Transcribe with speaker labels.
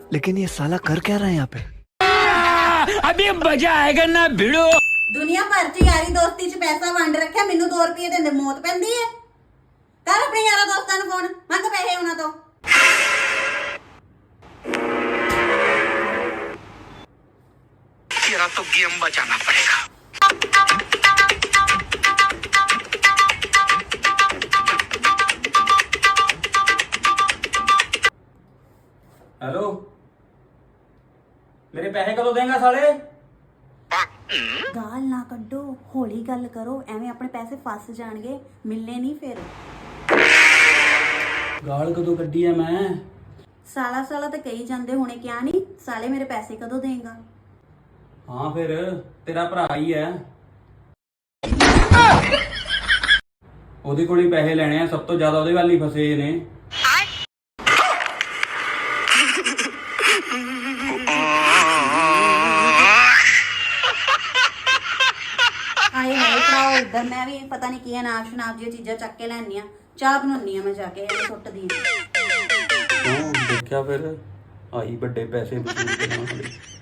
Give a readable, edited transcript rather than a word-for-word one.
Speaker 1: लेकिन ये साला कर क्या रहा है यहाँ पे?
Speaker 2: अभी मजा आएगा ना भिड़ो।
Speaker 3: ਦੁਨੀਆ ਭਰ ਚ ਯਾਰੀ ਦੋਸਤੀ ਚ ਪੈਸਾ ਵੰਡ ਰੱਖਿਆ, ਮੈਨੂੰ 2 ਰੁਪਏ ਦਿੰਦੇ ਮੌਤ ਪੈਂਦੀ ਹੈ। ਕਰ ਆਪਣੇ ਯਾਰਾਂ ਦੋਸਤਾਂ ਨੂੰ ਫੋਨ, ਮੰਗ ਪੈਸੇ ਉਹਨਾਂ ਤੋਂ।
Speaker 2: तेरा तो गेम बचाना पड़ेगा।
Speaker 4: हेलो, मेरे पैसे कदों देंगा साले?
Speaker 3: ਗਾਲ ਨਾ ਕੱਢੋ, ਹੌਲੀ ਗੱਲ ਕਰੋ, ਐਵੇਂ ਆਪਣੇ ਪੈਸੇ ਫਸ ਜਾਣਗੇ, ਮਿਲਨੇ ਨਹੀਂ ਫਿਰ।
Speaker 4: गाल कदों कड्डी है मैं?
Speaker 3: ਸਾਲਾ ਸਾਲਾ ਤਾਂ ਕਹੀ ਜਾਂਦੇ ਹੁਣੇ, ਕਿਹਾ ਨਹੀਂ ਸਾਲੇ ਮੇਰੇ ਪੈਸੇ ਕਦੋਂ ਦੇਂਗਾ?
Speaker 4: हाँ फिर तेरा भरा ही है, ਉਹਦੇ ਕੋਲ ਹੀ ਪੈਸੇ ਲੈਣੇ ਆ, ਸਭ ਤੋਂ ਜ਼ਿਆਦਾ ਉਹਦੇ ਵੱਲ ਹੀ ਫਸੇ ਨੇ।
Speaker 3: ਆਏ ਹਾਏ ਭਰਾਓ ਇੱਧਰ, ਮੈਂ ਵੀ ਪਤਾ ਨਹੀਂ ਕੀ ਅਨਾਜ ਸ਼ਨਾਬ ਦੀਆਂ ਚੀਜ਼ਾਂ ਚੱਕ ਕੇ ਲੈਣੀਆਂ, ਚਾਹ ਬਣਾਉਣੀ ਆ ਮੈਂ ਜਾ ਕੇ, ਐਵੇਂ ਸੁੱਟਦੀ
Speaker 4: ਕਿਉਂ ਦੇਖਿਆ ਫਿਰ ਆਈ ਵੱਡੇ ਪੈਸੇ ਵਸੂਲ ਕਰਨ ਵਾਲੀ।